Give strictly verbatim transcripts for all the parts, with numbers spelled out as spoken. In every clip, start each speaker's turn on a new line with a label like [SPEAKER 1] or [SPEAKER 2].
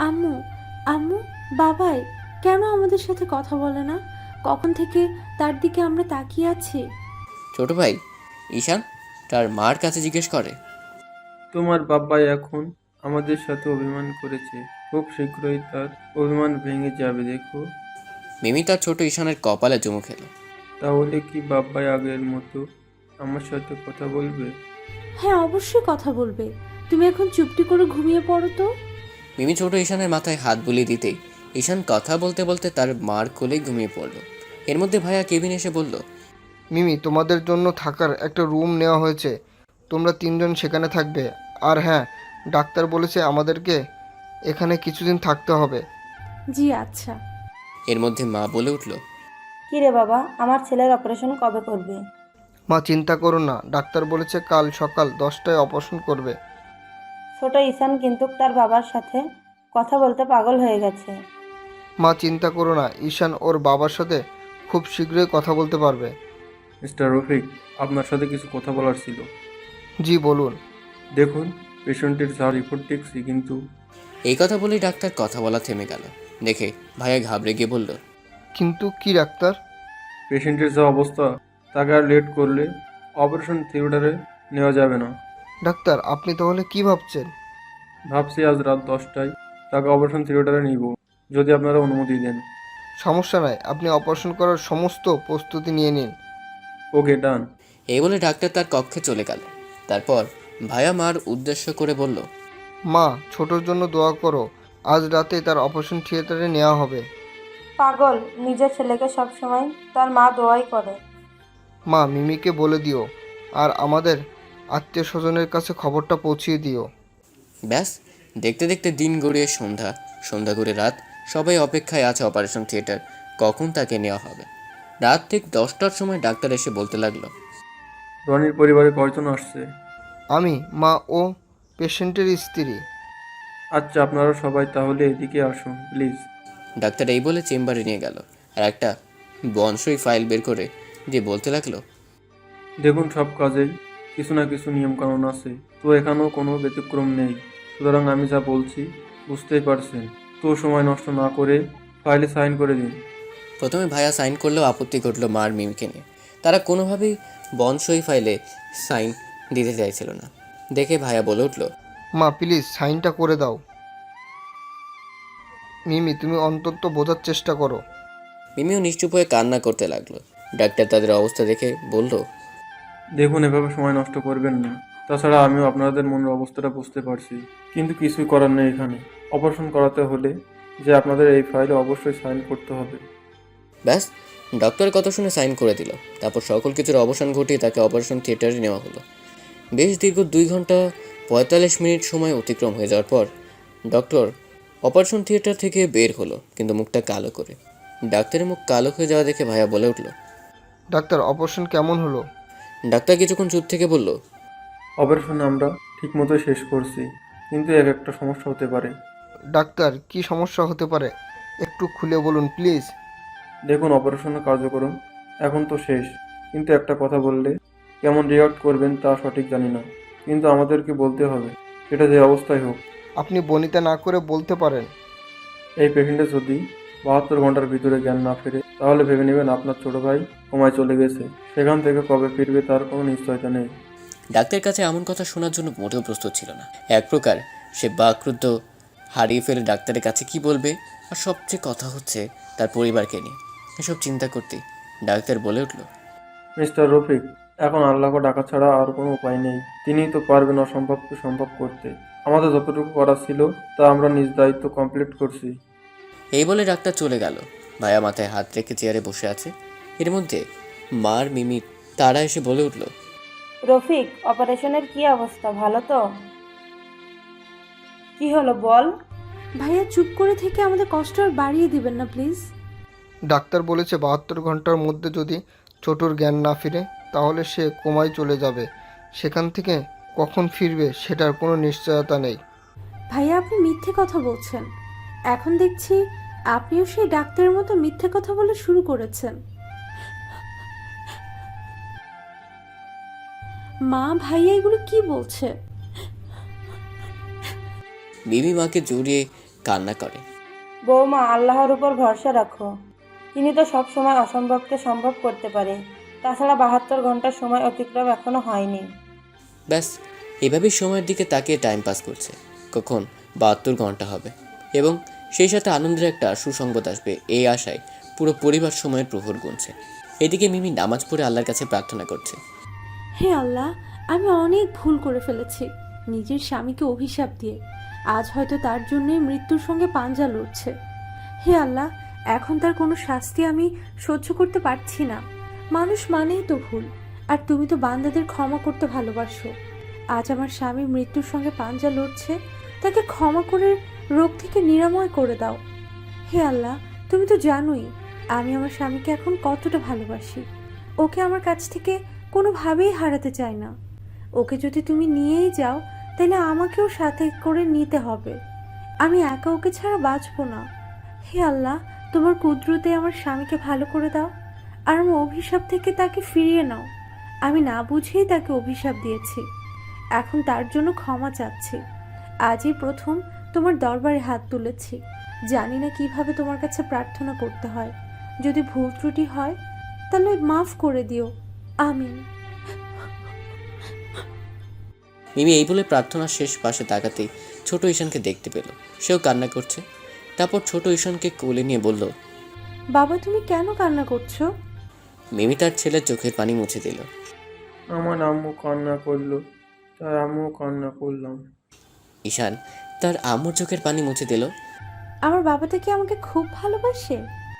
[SPEAKER 1] আম্মু, আম্মু, বাবাই কেন আমাদের সাথে কথা বলে না? কখন থেকে তার দিকে আমরা তাকিয়ে আছি।
[SPEAKER 2] ছোট ভাই ঈশান তার মার কাছে জিজ্ঞেস করে।
[SPEAKER 3] তোমার বাবাই এখন আমাদের সাথে অভিমান করেছে, খুব শীঘ্রই তার অভিমান ভেঙে যাবে দেখো।
[SPEAKER 2] মিমি তার ছোট ঈশানের কপালে চুমু খেলো।
[SPEAKER 3] তাহলে কি বাবাই আগের মতো আমার সাথে কথা বলবে?
[SPEAKER 1] হ্যাঁ, অবশ্যই কথা বলবে। তুমি এখন চুপটি করে ঘুমিয়ে পড়ো তো।
[SPEAKER 2] মিমি ছোট ঈশানের মাথায় হাত বুলিয়ে দিতেই ঈশান কথা বলতে বলতে তার মার কোলে ঘুমিয়ে পড়ল। এর মধ্যে ভাইয়া কেবিন এসে বলল,
[SPEAKER 4] মিমি, তোমাদের জন্য থাকার একটা রুম নেওয়া হয়েছে, তোমরা তিনজন সেখানে থাকবে। আর হ্যাঁ, ডাক্তার বলেছে আমাদেরকে এখানে কিছুদিন থাকতে হবে।
[SPEAKER 1] জি আচ্ছা।
[SPEAKER 2] এর মধ্যে মা বলে উঠল,
[SPEAKER 5] কি রে বাবা, আমার ছেলের অপারেশন কবে করবে?
[SPEAKER 4] মা চিন্তা করো না, ডাক্তার বলেছে কাল সকাল দশটায় অপারেশন করবে।
[SPEAKER 5] ছোট ঈশান কিন্তু তার বাবার সাথে কথা বলতে পাগল হয়ে গেছে।
[SPEAKER 4] মা চিন্তা করো না, ঈশান ওর বাবার সাথে খুব শীঘ্রই কথা বলতে পারবে।
[SPEAKER 3] মিস্টার রফিক, আপনার সাথে কিছু কথা বলার ছিল।
[SPEAKER 4] জি বলুন।
[SPEAKER 3] দেখুন, পেশেন্টের যা রিপোর্ট দেখছি কিন্তু
[SPEAKER 2] এই কথা বলেই ডাক্তার কথা বলা থেমে গেল। দেখে ভাইয়া ঘাবড়ে গিয়ে বলল,
[SPEAKER 4] কিন্তু কি ডাক্তার?
[SPEAKER 3] পেশেন্টের যা অবস্থা, তাকে আর লেট করলে অপারেশন থিয়েটারে নেওয়া যাবে না।
[SPEAKER 4] ডাক্তার আপনি তাহলে কি ভাবছেন?
[SPEAKER 3] ভাবছি আজ রাত দশটায় তাকে অপারেশন থিয়েটারে নিব, যদি আপনারা অনুমতি দেন।
[SPEAKER 4] সমস্যা নাই, আপনি অপারেশন করার সমস্ত প্রস্তুতি নিয়ে নিন।
[SPEAKER 3] ওকে, ডান।
[SPEAKER 2] এই বলে ডাক্তার তার কক্ষে চলে গেল। তারপর ভাইয়া মার উদ্দেশ্য করে বলল,
[SPEAKER 4] মা, ছোটোর জন্য দোয়া করো, আজ রাতে তার অপারেশন থিয়েটারে নেওয়া হবে।
[SPEAKER 5] পাগল, নিজের ছেলেকে সবসময় তার মা দোয়াই করে।
[SPEAKER 4] মা, মিমিকে বলে দিও, আর আমাদের আত্মীয় স্বজনের কাছে খবরটা পৌঁছিয়ে দিও।
[SPEAKER 2] ব্যাস, দেখতে দেখতে দিন গড়িয়ে সন্ধ্যা, সন্ধ্যা করে রাত। সবাই অপেক্ষায় আছে অপারেশন থিয়েটার কখন তাকে নেওয়া হবে। রাত ঠিক দশটার সময় ডাক্তার এসে বলতে লাগলো,
[SPEAKER 3] রনির পরিবারে কয়জন আসছে?
[SPEAKER 4] আমি, মা ও পেশেন্টের স্ত্রী।
[SPEAKER 3] আচ্ছা, আপনারা সবাই তাহলে এদিকে আসুন প্লিজ।
[SPEAKER 2] ডাক্তার এই বলে চেম্বারে নিয়ে গেল আর একটা বনসই ফাইল বের করে দিয়ে বলতে লাগলো,
[SPEAKER 3] দেখুন, সব কাজেই কিছু না কিছু নিয়মকানুন আছে, তো এখানেও কোনো ব্যতিক্রম নেই। সুতরাং আমি যা বলছি বুঝতেই পারছেন, তো সময় নষ্ট না করে ফাইলে সাইন করে দিন।
[SPEAKER 2] প্রথমে ভাইয়া সাইন করলেও আপত্তি ঘটল মার মিমিকে নিয়ে। তারা কোনোভাবেই বনসই ফাইলে সাইন দিতে চাইছিল না। দেখে ভাইয়া বলে উঠল,
[SPEAKER 4] মা প্লিজ সাইনটা করে দাও। মিমি, তুমি অন্তত বোঝার চেষ্টা করো।
[SPEAKER 2] মিমিও নিশ্চুপ হয়ে কান্না করতে লাগলো। ডাক্তার তাদের অবস্থা দেখে বলল,
[SPEAKER 3] দেখুন, এভাবে সময় নষ্ট করবেন না। তাছাড়া আমিও আপনাদের মনের অবস্থাটা বুঝতে পারছি, কিন্তু কিছুই করার নেই। এখানে অপারেশন করাতে হলে যে আপনাদের এই ফাইলে অবশ্যই সাইন করতে হবে।
[SPEAKER 2] ব্যাস, ডক্টরের কথা শুনে সাইন করে দিল। তারপর সকল কিছুর অবসান ঘটিয়ে তাকে অপারেশন থিয়েটারে নেওয়া হলো। বেশ দীর্ঘ দুই ঘন্টা পঁয়তাল্লিশ মিনিট সময় অতিক্রম হয়ে যাওয়ার পর ডক্টর অপারেশন থিয়েটার থেকে বের হলো, কিন্তু মুখটা কালো করে। ডাক্তারের মুখ কালো হয়ে যাওয়া দেখে ভাইয়া বলে উঠল,
[SPEAKER 4] ডাক্তার, অপারেশন কেমন হলো?
[SPEAKER 2] ডাক্তার কিছুক্ষণ চুপ থেকে বলল,
[SPEAKER 3] অপারেশন আমরা ঠিকমতো শেষ করছি, কিন্তু এক একটা সমস্যা হতে পারে।
[SPEAKER 4] ডাক্তার, কি সমস্যা হতে পারে? একটু খুলে বলুন প্লিজ।
[SPEAKER 3] দেখুন, অপারেশনের কার্যক্রম এখন তো শেষ, কিন্তু একটা কথা বললে কেমন রিয়াক্ট করবেন তা সঠিক জানি না, কিন্তু আমাদেরকে বলতে হবে, সেটা যে অবস্থায় হোক।
[SPEAKER 4] আপনি বনিতা না করে বলতে পারেন।
[SPEAKER 3] এই পেশেন্টের যদি বাহাত্তর ঘন্টার ভিতরে জ্ঞান না ফেরে, তাহলে ভেবে নেবেন আপনার ছোট ভাই কোমায় চলে গেছে। সেখান থেকে কবে ফিরবে তার কোনো নিশ্চয়তা নেই।
[SPEAKER 2] ডাক্তারের কাছে এমন কথা শোনার জন্য মোটেও প্রস্তুত ছিল না। এক প্রকার সে বাকরুদ্ধ হারিয়ে ফেলে ডাক্তারের কাছে কি বলবে, আর সবচেয়ে কথা হচ্ছে তার পরিবারকে নিয়ে। এসব চিন্তা করতেই ডাক্তার বলে উঠল,
[SPEAKER 3] মিস্টার রফিক, এখন আল্লাহকে ডাকা ছাড়া আর কোনো উপায় নেই। তিনিই তো পারবেন অসম্ভবকে সম্ভব করতে। আমাদের যতটুকু করার ছিল তা আমরা নিজ দায়িত্ব কমপ্লিট করছি।
[SPEAKER 2] এই বলে ডাক্তার চলে গেল। ভাইয়া মাথায় হাত রেখে চেয়ারে বসে আছে। এর মধ্যে মার মিমি তারা এসে বলে উঠল,
[SPEAKER 5] রফিক, অপারেশনের কি অবস্থা, ভালো তো? কি হলো বল।
[SPEAKER 1] ভাইয়া চুপ করে থেকে আমাদের কষ্ট আর বাড়িয়ে দিবেন না প্লিজ।
[SPEAKER 4] ডাক্তার বলেছে বাহাত্তর ঘন্টার মধ্যে যদি ছোটুর জ্ঞান না ফিরে তাহলে সে কোমায় চলে যাবে। সেখান থেকে কখন ফিরবে সেটার কোনো নিশ্চয়তা নেই।
[SPEAKER 1] ভাইয়া আপনি মিথ্যে কথা বলছেন। এখন দেখছি আপনিও সেই ডাক্তারের মতো মিথ্যে কথা বলে শুরু করেছেন। মা, ভাইয়া এগুলো কি বলছে?
[SPEAKER 2] মিমি মাকে জড়িয়ে কান্না করে।
[SPEAKER 5] বৌমা, আল্লাহর উপর ভরসা রাখো। তিনি তো সব সময় অসম্ভবকে সম্ভব করতে পারে। তাছাড়া বাহাত্তর ঘন্টার সময় অতিক্রম এখনো হয়নি।
[SPEAKER 2] ব্যাস এভাবেই সময়ের দিকে তাকিয়ে টাইম পাস করছে। কখন বাহাত্তর ঘন্টা হবে এবং সেই সাথে আনন্দের একটা সুসংবাদ আসবে এই আশায় পুরো পরিবার সময়ের প্রহর গুনছে। এদিকে মিমি নামাজ পড়ে আল্লাহর কাছে প্রার্থনা করছে।
[SPEAKER 1] হে আল্লাহ, আমি অনেক ভুল করে ফেলেছি নিজের স্বামীকে অভিশাপ দিয়ে। আজ হয়তো তার জন্যই মৃত্যুর সঙ্গে পাঞ্জা লড়ছে। হে আল্লাহ, এখন তার কোনো শাস্তি আমি সহ্য করতে পারছি না। মানুষ মানেই তো ভুল, আর তুমি তো বান্দাদের ক্ষমা করতে ভালোবাসো। আজ আমার স্বামী মৃত্যুর সঙ্গে পাঞ্জা লড়ছে, তাকে ক্ষমা করে রোগ থেকে নিরাময় করে দাও। হে আল্লাহ, তুমি তো জানোই আমি আমার স্বামীকে এখন কতটা ভালোবাসি। ওকে আমার কাছ থেকে কোনোভাবেই হারাতে চাই না। ওকে যদি তুমি নিয়েই যাও তাহলে আমাকেও সাথে করে নিতে হবে। আমি একা ওকে ছাড়া বাঁচবো না। হে আল্লাহ, তোমার কুদরতে আমার স্বামীকে ভালো করে দাও, আর আমার অভিশাপ থেকে তাকে ফিরিয়ে নাও। আমি না বুঝেই তাকে অভিশাপ দিয়েছি, এখন তার জন্য ক্ষমা চাচ্ছি। আজই প্রথম তোমার দরবারে হাত তুলেছি, জানি না কিভাবে তোমার কাছে প্রার্থনা করতে হয়। যদি ভুল ত্রুটি হয় তাহলে মাফ করে দিও, আমিন।
[SPEAKER 2] মিমি এই বলে প্রার্থনার শেষ পাশে তাকাতেই ছোট ঈশানকে দেখতে পেল। সেও কান্না করছে। তারপর ছোট ঈশানকে কোলে নিয়ে বলল,
[SPEAKER 1] বাবা, তুমি কেন কান্না করছো?
[SPEAKER 2] মিমি তার ছেলের চোখের পানি মুছে দিল।
[SPEAKER 3] আমার আম্মু কান্না করলো, তাই আমিও কান্না করলাম।
[SPEAKER 2] ঈশান তার আম্মুর চোখের পানি মুছে দিল।
[SPEAKER 1] আমার বাবাটা কি আমাকে খুব ভালোবাসে?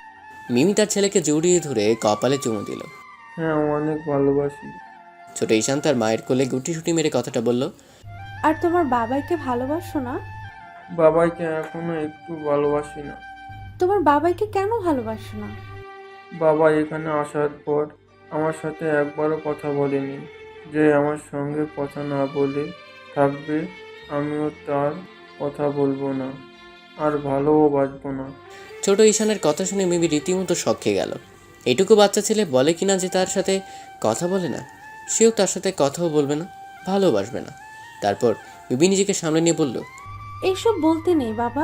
[SPEAKER 2] মিমি তার ছেলেকে জড়িয়ে ধরে কপালে চুমু দিল।
[SPEAKER 3] হ্যাঁ, অনেক ভালোবাসি।
[SPEAKER 2] ছোট ঈশান তার মায়ের কোলে গুটি সুটি মেরে কথাটা বলল।
[SPEAKER 1] আর তোমার বাবাইকে ভালোবাসো না?
[SPEAKER 3] বাবাইকে এখনো একটু ভালোবাসি না।
[SPEAKER 1] তোমার বাবাইকে কেন ভালোবাসো না?
[SPEAKER 3] বাবা এখানে আসার পর আমার সাথে একবারও কথা বলেনি। যে আমার সঙ্গে কথা না বলে থাকবে আমিও তার কথা বলবো না, আর ভালোও বাসবো না।
[SPEAKER 2] ছোট ঈশানের কথা শুনে মিমি রীতিমতো শক খেয়ে গেল। এটুকু বাচ্চা ছেলে বলে কিনা যে তার সাথে কথা বলে না, সেও তার সাথে কথাও বলবে না, ভালোবাসবে না। তারপর মিমি নিজেকে সামনে নিয়ে বলল,
[SPEAKER 1] এইসব বলতে নেই বাবা।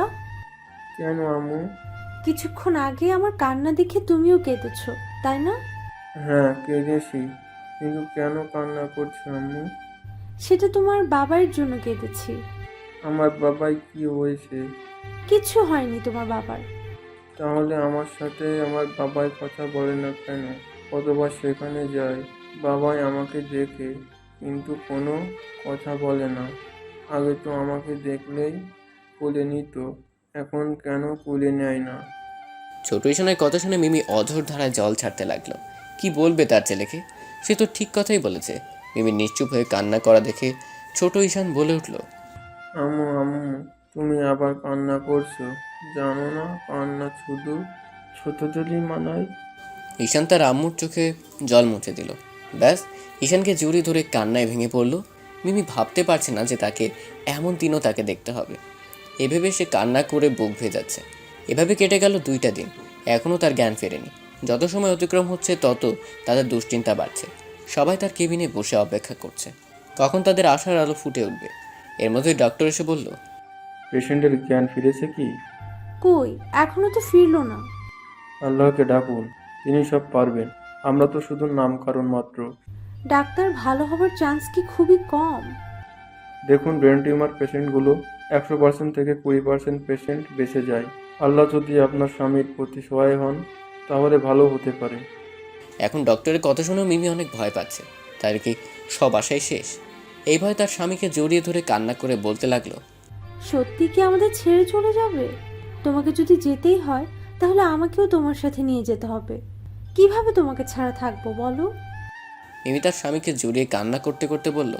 [SPEAKER 3] কেন আম্মু?
[SPEAKER 1] কিছুক্ষণ আগে আমার কান্না দেখে তুমিও কেঁদেছো, তাই না?
[SPEAKER 3] হ্যাঁ, কেঁদেছি, কিন্তু কেন কান্না করছো আম্মু?
[SPEAKER 1] সেটা তোমার বাবার জন্য কেঁদেছি।
[SPEAKER 3] আমার বাবাই কি হয়েছে?
[SPEAKER 1] কিচ্ছু হয়নি তোমার বাবার।
[SPEAKER 3] তাহলে আমার সাথে আমার বাবাই কথা বলে না কেন? কতবার সেখানে যায়, বাবাই আমাকে দেখে কিন্তু কোনো কথা বলে না। আগে তো আমাকে দেখলেই কোলে নিত, এখন কেন কোলে নেয় না?
[SPEAKER 2] ছোট ঈশানের কথা শুনে মিমি অঝোর ধারায় জল ছাড়তে লাগলো। কি বলবে তার ছেলেকে? সে তো ঠিক কথাই বলেছে। মিমি নিশ্চুপ হয়ে কান্না করা দেখে ছোট ঈশান বলে উঠল,
[SPEAKER 3] আম্মু আম্মু তুমি আবার কান্না করছো? জানো না কান্না শুধু ছোটদেরই মানায়।
[SPEAKER 2] ঈশান তার আম্মুর চোখে জল মুছে দিল। ব্যাস ঈশানকে জড়িয়ে ধরে কান্নায় ভেঙে পড়ল। মিমি ভাবতে পারছে না যে তাকে এমন দিনও তাকে দেখতে হবে। এভাবে সে কান্না করে বুক ভেজাচ্ছে। এভাবে কেটে গেল দুইটা দিন। এখনও তার জ্ঞান ফেরেনি। যত সময় অতিক্রম হচ্ছে তত তাদের দুশ্চিন্তা বাড়ছে। সবাই তার কেবিনে বসে অপেক্ষা করছে কখন তাদের আশার আলো ফুটে উঠবে। এর মধ্যে ডক্টর এসে বলল,
[SPEAKER 3] পেশেন্টের জ্ঞান ফিরেছে কি?
[SPEAKER 1] কই, এখনো তো ফিরলো না।
[SPEAKER 3] আল্লাহকে ডাকুন, তিনি সব পারবেন। আমরা তো শুধু নামকরণ মাত্র।
[SPEAKER 1] ডাক্তার, ভালো হবার চান্স কি খুবই কম?
[SPEAKER 3] দেখুন, ব্রেন টিউমার পেশেন্টগুলো একশো পার্সেন্ট থেকে কুড়ি পার্সেন্ট পেশেন্ট বেঁচে যায়। আল্লাহ যদি আপনার স্বামীর প্রতি সহায় হন তাহলে ভালো হতে পারে।
[SPEAKER 2] এখন ডক্টরের কথা শুনেও মিমি অনেক ভয় পাচ্ছে। তার কি সব আশাই শেষ? এই ভয় তার স্বামীকে জড়িয়ে ধরে কান্না করে বলতে লাগলো,
[SPEAKER 1] সত্যি কি আমাদের ছেড়ে চলে যাবে? তোমাকে যদি যেতেই হয় তাহলে আমাকেও তোমার সাথে নিয়ে যেতে হবে। কিভাবে তোমাকে ছাড়া থাকবো বলো?
[SPEAKER 2] মিমি তার স্বামীকে জড়িয়ে কান্না করতে করতে বলল,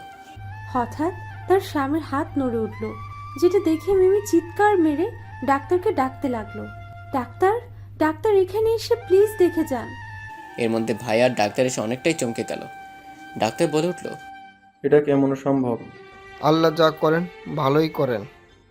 [SPEAKER 1] হঠাৎ তার স্বামীর হাত নড়ে উঠল, যেটা দেখে মিমি চিৎকার মেরে ডাক্তারকে ডাকতে লাগলো। ডাক্তার, ডাক্তার এখানে এসে প্লিজ দেখে যান।
[SPEAKER 2] এর মধ্যে ভাই আর ডাক্তার এসে অনেকটাই চমকে গেল। ডাক্তার বলে উঠল,
[SPEAKER 3] এটা কেমন সম্ভব?
[SPEAKER 4] আল্লাহ যা করেন ভালোই করেন।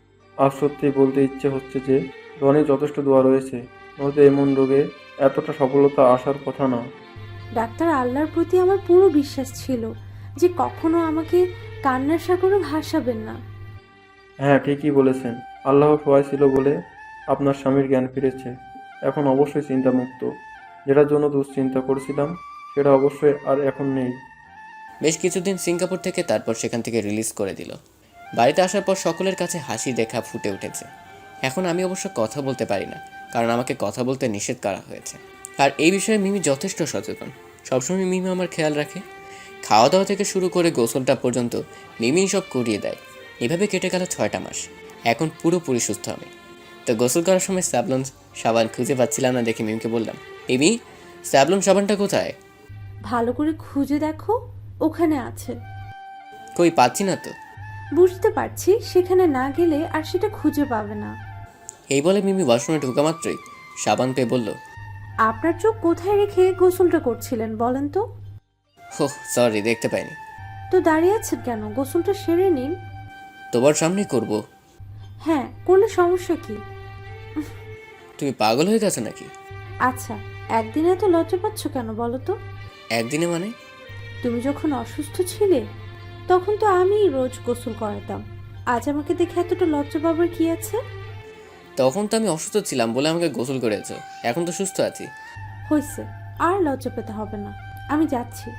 [SPEAKER 3] আর সত্যি বলতে ইচ্ছে হচ্ছে যে রনি যথেষ্ট দোয়া রয়েছে, নয়তো এমন রোগে এতটা সফলতা আসার কথা না।
[SPEAKER 1] ডাক্তার, আল্লাহর প্রতি আমার পুরো বিশ্বাস ছিল যে কখনো আমাকে কান্নার সাগরে ভাসাবেন না।
[SPEAKER 3] হ্যাঁ, ঠিকই বলেছেন। আল্লাহ সহায় ছিল বলে আপনার স্বামীর জ্ঞান ফিরেছে। এখন অবশ্যই চিন্তামুক্ত। যেটার জন্য দুশ্চিন্তা করছিলাম সেটা অবশ্যই আর এখন নেই।
[SPEAKER 2] বেশ কিছুদিন সিঙ্গাপুর থেকে তারপর সেখান থেকে রিলিজ করে দিল। বাড়িতে আসার পর সকলের কাছে হাসি রেখা ফুটে উঠেছে। এখন আমি অবশ্য কথা বলতে পারি না, কারণ আমাকে কথা বলতে নিষেধ করা হয়েছে। আর এই বিষয়ে মিমি যথেষ্ট সচেতন। সবসময় মিমি আমার খেয়াল রাখে। খাওয়া দাওয়া থেকে শুরু করে গোসলটা পর্যন্ত মিমি সব করিয়ে দেয়। এভাবে কেটে গেল ছয়টা মাস। এখন পুরোপুরি সুস্থ আমি। তো গোসল করার সময় স্যাভলন সাবান খুঁজে পাচ্ছিলাম না দেখে মিমিকে বললাম, মিমি, স্যাভলন সাবানটা কোথায়?
[SPEAKER 1] ভালো করে খুঁজে দেখো, ওখানে আছে।
[SPEAKER 2] কই পাচ্ছি না তো।
[SPEAKER 1] বুঝতে পারছি সেখানে না গেলে আর সেটা খুঁজে পাবে না।
[SPEAKER 2] এই বলে মিমি ওয়াশরুমে ঢোকা মাত্রই সাবান পেয়ে বলল,
[SPEAKER 1] আপনার চোখ কোথায় রেখে গোসলটা করছিলেন বলেন তো?
[SPEAKER 2] হো সরি, দেখতে পাইনি।
[SPEAKER 1] তো দাঁড়িয়ে আছেন কেন? গোসলটা সেরে নিন।
[SPEAKER 2] তোমার সামনেই করব।
[SPEAKER 1] হ্যাঁ, করলে সমস্যা কি?
[SPEAKER 2] তুমি পাগল হয়ে গেছো নাকি?
[SPEAKER 1] আচ্ছা, একদিনে এত লজ্জা পাচ্ছ কেন বলো তো?
[SPEAKER 2] একদিনে মানে?
[SPEAKER 1] তুমি যখন অসুস্থ ছিলে তখন তো আমিই রোজ গোসল করাতাম। আজ আমাকে দেখে এতটা লজ্জা পাবার কি আছে?
[SPEAKER 2] তখন তো আমি অসুস্থ ছিলাম বলে আমাকে গোসল করেছো, এখন তো সুস্থ আছি।
[SPEAKER 1] হয়েছে, আর লজ্জা পেতে হবে না, আমি যাচ্ছি।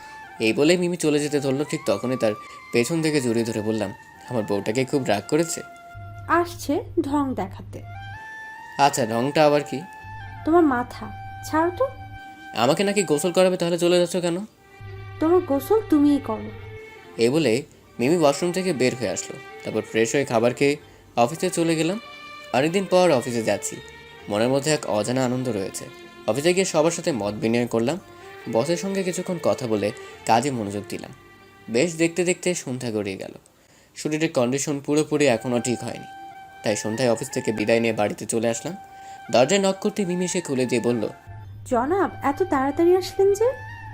[SPEAKER 2] এই বলে মিমি চলে যেতে ধরলো। ঠিক তখনই তার পেছন থেকে জড়িয়ে ধরে বললাম, আমার বউটাকে খুব রাগ করেছে।
[SPEAKER 1] আসছে ঢং দেখাতে।
[SPEAKER 2] আচ্ছা, ঢংটা আবার কি?
[SPEAKER 1] তোমার মাথা ছাড়ো তো।
[SPEAKER 2] আমাকে নাকি গোসল করাবে, তাহলে চলে যাচ্ছ কেন?
[SPEAKER 1] তোমার গোসল তুমিই করো।
[SPEAKER 2] এই বলে মিমি ওয়াশরুম থেকে বের হয়ে আসলো। তারপর ফ্রেশ হয়ে খাবার খেয়ে অফিসে চলে গেলাম। অনেকদিন পর অফিসে যাচ্ছি, মনের মধ্যে এক অজানা আনন্দ রয়েছে। অফিসে গিয়ে সবার সাথে মত বিনিময় করলাম। বসের সঙ্গে কিছুক্ষণ কথা বলে কাজে মনোযোগ দিলাম। বেশ দেখতে দেখতে সন্ধ্যা গড়িয়ে গেল। শরীরের কন্ডিশন পুরোপুরি এখনও ঠিক হয়নি, তাই সন্ধ্যায় অফিস থেকে বিদায় নিয়ে বাড়িতে চলে আসলাম। দরজায় নক করতে মিমি এসে খুলে দিয়ে বলল,
[SPEAKER 1] জনাব, এত তাড়াতাড়ি আসলেন যে?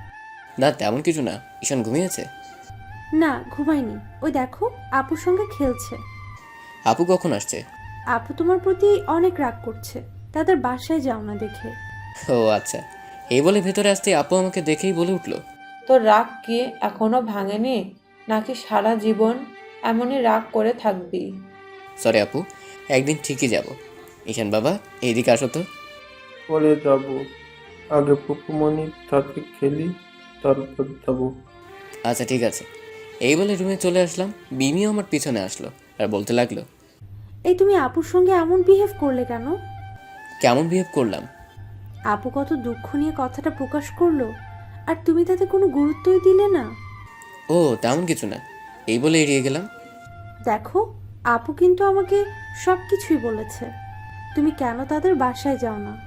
[SPEAKER 2] না তেমন কিছু না, ঈশান ঘুমিয়েছে।
[SPEAKER 1] না, ঘুমাইনি। ওই দেখো, আপুর সঙ্গে খেলছে।
[SPEAKER 2] আপু কখন আসছে?
[SPEAKER 1] আপু তোমার প্রতি অনেক রাগ করছে, তাদের বাসায় যাও না দেখে।
[SPEAKER 2] ও আচ্ছা। এই বলে ভেতরে আসতে আপু আমাকে দেখেই বলে উঠলো,
[SPEAKER 6] তোর রাগ কি এখনো ভাঙেনি, নাকি সারা জীবন এমনই রাগ করে থাকবি?
[SPEAKER 2] সরি আপু, একদিন ঠিকই যাব। ঈশান বাবা, এইদিকে আসো তো।
[SPEAKER 3] পরে যাব, আগে পুকুমণির সাথে খেলি, তারপর যাব।
[SPEAKER 2] আচ্ছা ঠিক আছে। এই বলে রুমে চলে আসলাম। মিমিও আমার পিছনে আসলো আর বলতে লাগলো,
[SPEAKER 1] এই তুমি আপুর সঙ্গে এমন বিহেভ করলে কেন?
[SPEAKER 2] কেমন বিহেভ করলাম?
[SPEAKER 1] আপু কত দুঃখ নিয়ে কথাটা প্রকাশ করলো, আর তুমি তাতে কোনো গুরুত্বই দিলে না।
[SPEAKER 2] ও তেমন কিছু না, এই বলে এড়িয়ে গেলাম।
[SPEAKER 1] দেখো, আপু কিন্তু আমাকে সব কিছুই বলেছে। তুমি কেন তাদের বাসায় যাও না?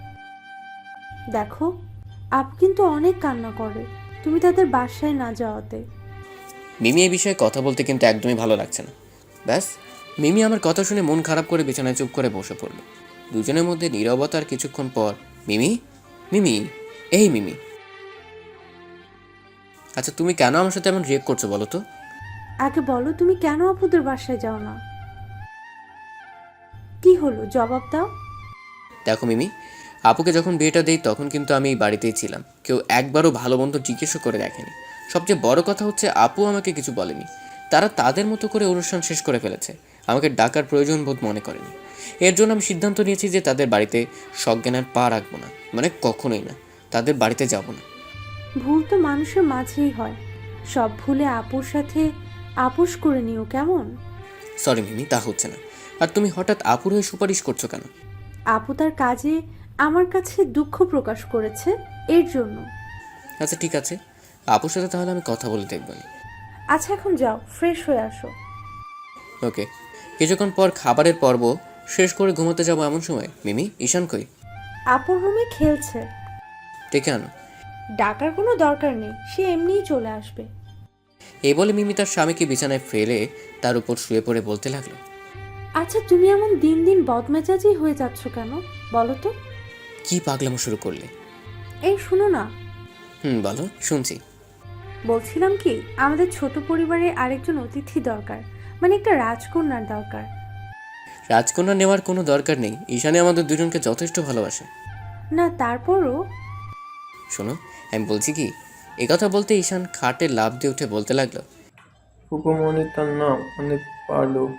[SPEAKER 1] দেখো, আপু কিন্তু অনেক কান্না করে তুমি তাদের বাসায় না যাওয়াতে।
[SPEAKER 2] মিমি এই বিষয়ে কথা বলতে কিন্তু একদমই ভালো লাগছে না। ব্যাস, মিমি আমার কথা শুনে মন খারাপ করে বিছানায় চুপ করে বসে পড়ল। দুজনের মধ্যে নীরবতার কিছুক্ষণ পর মিমি, মিমি, এই মিমি, আচ্ছা তুমি কেন আমার সাথে এমন রিয়েক্ট করছো বলো তো?
[SPEAKER 1] আগে বলো, তুমি কেন আপুদের বাসায় যাও না? কি হলো, জবাব দাও।
[SPEAKER 2] দেখো মিমি, আপুকে যখন বিয়েটা দেই তখন কিন্তু আমি এই বাড়িতেই ছিলাম। কেউ একবারও ভালো মন্দ জিজ্ঞেসও করে দেখেনি। সবচেয়ে বড় কথা হচ্ছে আপু আমাকে কিছু বলেনি। তারা তাদের মতো করে অনুষ্ঠান শেষ করে ফেলেছে, আমাকে ডাকার প্রয়োজন বোধ মনে করেনি। এর জন্য আমি সিদ্ধান্ত নিয়েছি যে তাদের বাড়িতে সজ্ঞানের পা রাখবো না, মানে কখনোই না, তাদের বাড়িতে যাব না।
[SPEAKER 1] ভুল তো মানুষের মাঝেই হয়, সব ভুলে আপুর সাথে আপোষ করে নিও কেমন?
[SPEAKER 2] সরি মিমি, তা হচ্ছে না। আর তুমি হঠাৎ আপুর হয়ে সুপারিশ করছো কেন?
[SPEAKER 1] আপু তার কাজে আমার কাছে দুঃখ প্রকাশ করেছে, এর জন্য।
[SPEAKER 2] আচ্ছা ঠিক আছে, আপুর সাথে তাহলে আমি কথা বলে দেখব।
[SPEAKER 1] আচ্ছা, এখন যাও, ফ্রেশ হয়ে আসো।
[SPEAKER 2] ওকে। কিছুক্ষণ পর খাবারের পর্ব শেষ করে ঘুমাতে যাবো এমন সময় মিমি, ঈশান কই?
[SPEAKER 1] আপুর রুমে খেলছে।
[SPEAKER 2] ডেকে আনো।
[SPEAKER 1] ডাকার কোনো দরকার নেই, সে এমনিই চলে আসবে।
[SPEAKER 2] এই বলে মিমি তার স্বামীকে বিছানায় ফেলে তার উপর শুয়ে পড়ে বলতে লাগলো,
[SPEAKER 1] আচ্ছা, তুমি এমন দিন দিন বদমেজাজি হয়ে যাচ্ছ কেন বলো তো?
[SPEAKER 2] কি পাগলামো শুরু করলে?
[SPEAKER 1] এই শুনো না।
[SPEAKER 2] হুম বলো, শুনছি।
[SPEAKER 1] বলছিলাম কি, আমাদের ছোট পরিবারে আরেকজন অতিথি দরকার, মানে একটা রাজকন্যার দরকার।
[SPEAKER 2] রাজকন্যা নেওয়ার কোনো দরকার নেই, ঈশানে আমাদের দুজনকে যথেষ্ট ভালোবাসে।
[SPEAKER 1] না, তারপরও।
[SPEAKER 2] শোনো, আমি বলছি কি, একথা বলতে ঈশান খাটে লাফ দিয়ে উঠে বলতে লাগলো,
[SPEAKER 3] পুকুমণি তার নাম অনেক ভালো,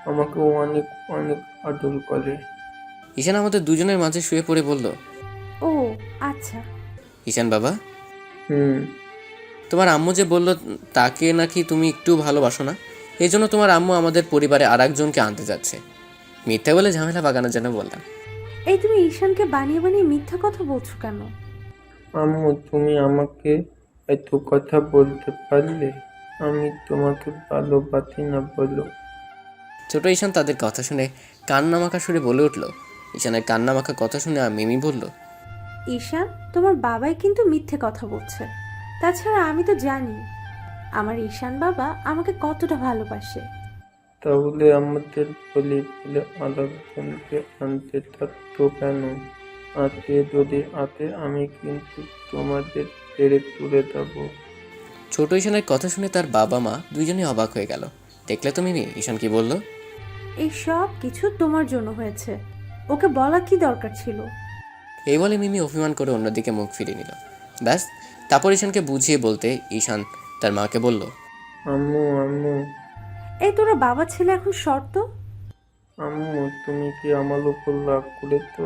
[SPEAKER 3] আমাকেও অনেক অনেক আদর করে।
[SPEAKER 2] ঈশান আমাদের দুজনের মাঝে শুয়ে পড়ে বলল,
[SPEAKER 1] ও আচ্ছা।
[SPEAKER 2] ঈশান বাবা,
[SPEAKER 3] হুম।
[SPEAKER 2] তোমার আম্মু যে বলল তাকে নাকি তুমি একটু ভালোবাসো না, এই জন্য তোমার আম্মু আমাদের পরিবারে আর একজনকে আনতে যাচ্ছে। মিথ্যা বলে ঝামেলা বাগানোর জন্য বললাম।
[SPEAKER 1] এই তুমি ঈশানকে বানিয়ে বানিয়ে মিথ্যা কথা বলছো কেন?
[SPEAKER 3] আম্মু, তুমি আমাকে এত কথা বলতে পারলে? আমি তোমাকে ভালোবাসি না বলো?
[SPEAKER 2] ছোট ঈশান তাদের কথা শুনে কান্নামাখা সুরে বলে উঠল। ঈশানের কান্নামাখা কথা শুনে আর মিমি বলল,
[SPEAKER 1] ঈশান, তোমার বাবাই কিন্তু মিথ্যে কথা বলছে। তাছাড়া আমি তো জানি আমার ঈশান বাবা আমাকে কতটা ভালোবাসে।
[SPEAKER 3] তাহলে আমাদের বলে বলে আরেকজনকে আনতে থাকতো কেন? আতে যদি আতে আমি কিন্তু তোমাদের ছেড়ে তুলে দেবো।
[SPEAKER 2] ছোট ঈশানের কথা শুনে তার বাবা মা দুইজনেই অবাক হয়ে গেল। দেখলে তো মিমি ঈশান কি বলল?
[SPEAKER 1] এই সব কিছু তোমার জন্য হয়েছে, ওকে বলা কি দরকার ছিল?
[SPEAKER 2] এই বলে মিমি অভিমান করে অন্যদিকে মুখ ফিরিয়ে নিল। ব্যাস, তারপর ঈশানকে বুঝিয়ে বলতে ঈশান তার মাকে বলল,
[SPEAKER 3] আম্মু আম্মু
[SPEAKER 1] এই তোরা বাবা ছেলে এখন শর্ত?
[SPEAKER 3] আম্মু, তুমি কি আমার উপর রাগ করেছো?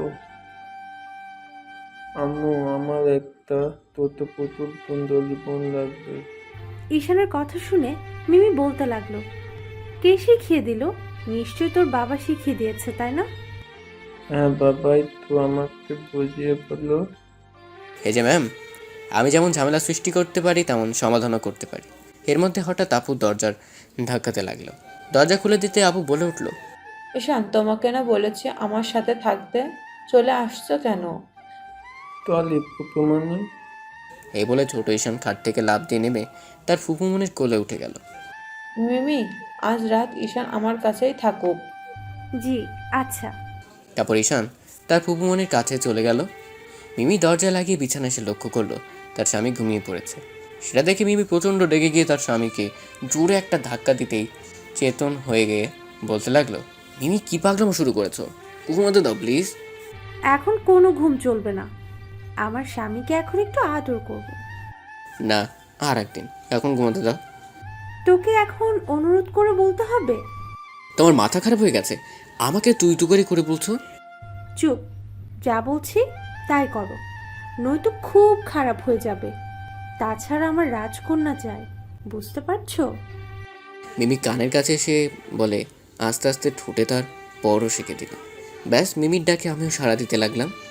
[SPEAKER 3] আম্মু, আমার একটা তোতো পুতুল সুন্দর জীবন লাগবে।
[SPEAKER 1] ঈশানের কথা শুনে মিমি বলতে লাগলো, কে শিখিয়ে দিল? নিশ্চয়ই তোর বাবা শিখিয়ে দিয়েছে, তাই না?
[SPEAKER 3] হ্যাঁ, বাবাই তো আমাকে বুঝিয়ে বললো।
[SPEAKER 2] এই যে ম্যাম, আমি যেমন ঝামেলা সৃষ্টি করতে পারি তেমন সমাধানও করতে পারি। এর মধ্যে হঠাৎ আপু দরজার ধাক্কাতে লাগলো। দরজা খুলে দিতে আপু বলে উঠল,
[SPEAKER 6] ঈশান, তোমাকে না বলেছি আমার সাথে থাকতে, চলে আসছো কেন?
[SPEAKER 3] তাহলে পুতুমণি,
[SPEAKER 2] এই বলে ছোট ঈশান খাট থেকে লাফ দিয়ে নেমে তার ফুপুমনির কোলে উঠে গেল।
[SPEAKER 6] মিমি, আজ রাত ঈশান আমার কাছেই থাকুক।
[SPEAKER 1] জি আচ্ছা।
[SPEAKER 2] তারপর ঈশান তার ফুপুমনির কাছে চলে গেল। মিমি দরজা লাগিয়ে বিছানায় এসে লক্ষ্য করলো তার স্বামী ঘুমিয়ে পড়েছে। সেটা দেখে মিমি প্রচণ্ড রেগে গিয়ে তার স্বামীকে জোরে একটা ধাক্কা দিতেই চেতন হয়ে গিয়ে বলতে লাগলো, মিমি কি পাগলামো শুরু করেছো? ঘুমাতে দাও প্লিজ।
[SPEAKER 1] এখন কোনো ঘুম চলবে না, আমার স্বামীকে এখন একটু আদর করব।
[SPEAKER 2] না, আর একদিন, এখন ঘুমাতে দাও।
[SPEAKER 1] তোকে এখন অনুরোধ করে বলতে হবে?
[SPEAKER 2] তোমার মাথা খারাপ হয়ে গেছে? আমাকে তুই তুকারি করে বলছো?
[SPEAKER 1] চুপ, যা বলছি তাই করো, নয়তো খুব খারাপ হয়ে যাবে। তাছাড়া আমার রাজকন্যা চাই, বুঝতে পারছো?
[SPEAKER 2] মিমি কানের কাছে এসে বলে আস্তে আস্তে ঠোঁটে তার পরও শিখে দিল। ব্যাস, মিমির ডাকে আমিও সাড়া দিতে লাগলাম।